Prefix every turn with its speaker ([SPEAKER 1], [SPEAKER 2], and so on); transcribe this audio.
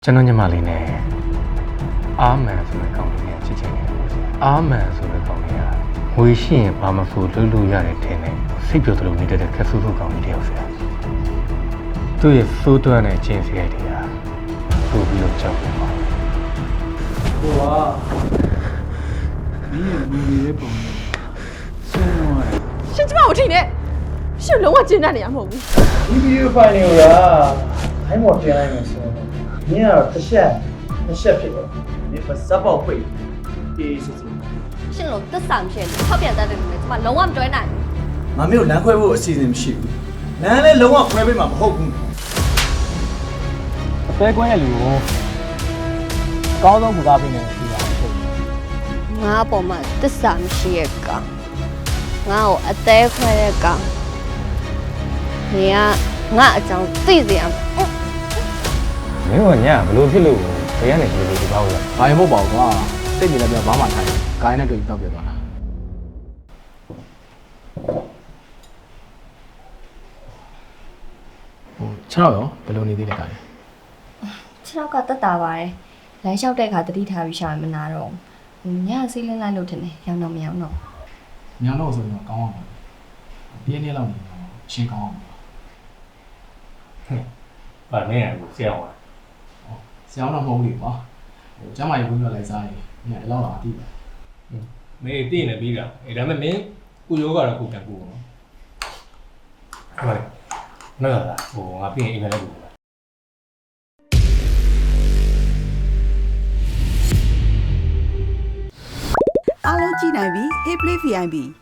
[SPEAKER 1] ကျွန်တော်ညီမလေးနဲ့အာမန်ဆိုတဲ့ကောင်လေးနဲ့ချစ်ချင်နေတယ်ပေါ့ဆရာအာမန်ဆိုတဲ့ကောင်လေးကငွေရှိရင်ဘာမှဆိုလွတ်လို့ရတယ်ထင်တယ်စိတ်ပြောသလိုနေတဲ့ခက်ဆူဆူကောင်လေးတယောက်ဆရာသူ့ရဲ့စိုးသွမ်းတဲ့ခြင်းစရိုက်တွေကပို့ပြီးတော့ကြောက်နေပါ
[SPEAKER 2] ဟိုကမင်းရဲ့မူလေးပုံနဲ့ဆင်းသွားတယ်
[SPEAKER 3] ရှင်ကျမကိုထိနေရှင်လုံးဝကျင်းတတ်နေရမဟုတ်ဘူး
[SPEAKER 2] ဒီဗီဒီယိုဖိုင်တွေကအိုင်းမော်တင်လိုက်မယ်ဆိုတော့မင်းကတော့တစ်ချက်ဖြစ်တယ်မင်းပါစပ်ပေါက်ပိတ်အေးစစ်စစ်
[SPEAKER 3] ရှင်တို့သက်ဆိုင်ရှင်ထောက်ပြန်တတ်တယ်လို့ကျမလုံးဝမတွဲနိုင်
[SPEAKER 4] ငါမျိုးလမ်းခွဲဖို့အစီအစဉ်မရှိဘူးလမ်းလည်းလုံးဝခွဲပေးမှာမဟုတ်ဘူး
[SPEAKER 2] အသေးကွင်းရဲ့လူကိုကောင်းဆုံးကူကားပေးနေတယ်ဒီပါဟုတ်
[SPEAKER 3] ငါပေါ်မှာသက်ဆိုင်မရှိရဲ့ကောင်ငါ့ကိုအသေးခွဲတဲ့ကောင်နေကငါအကြောင်းသိစေအောင်
[SPEAKER 1] မင်းကညာဘလို့ဖြစ်လို့ဘယ်ကနေဒီလိုဒီကောက်လဲ
[SPEAKER 2] ဘာမှမဟုတ်ပါဘူးကွာစိတ်နေလည်းပြောဘာမှထိုင်ဂိုင်းနဲ့တွေ့တော့ပြသွားတာ6ရောဘယ်လိုနေသေးလဲကား
[SPEAKER 3] 6ကတက်တာပါတယ်လမ်းလျှောက်တဲ့အခါတတိထားပြီးရှာမနာတော့ညဆေးလင်းလိုက်လို့ထင်တယ်ရောင်းတော့မရောင်းတော့
[SPEAKER 2] ညောင်းတော့ဆိုရင်ကောင်းအောင်ပြင်းနေလောက်နေတော့ရှင်းကောင်းအောင်
[SPEAKER 1] ဗာမင်းကဆရာဝါ
[SPEAKER 2] ဆရာတော့မဟုတ်ဘူးကွာကျမ်းမာရေးဝင်ပြလိုက်စားရင်ညအဲ့လောက်တော့အတိပဲ
[SPEAKER 1] မင်းတည်နေပြီးတာဒါပေမဲ့မင်းကုယောကတော့ခုပြန်ကူနော်ဟုတ်တယ်နော်လားဟိုငါပြင်အိမ်မက်လိုက်ကူ
[SPEAKER 5] အားလုံးကြည့်နိုင်ပြီ Hey Play VIP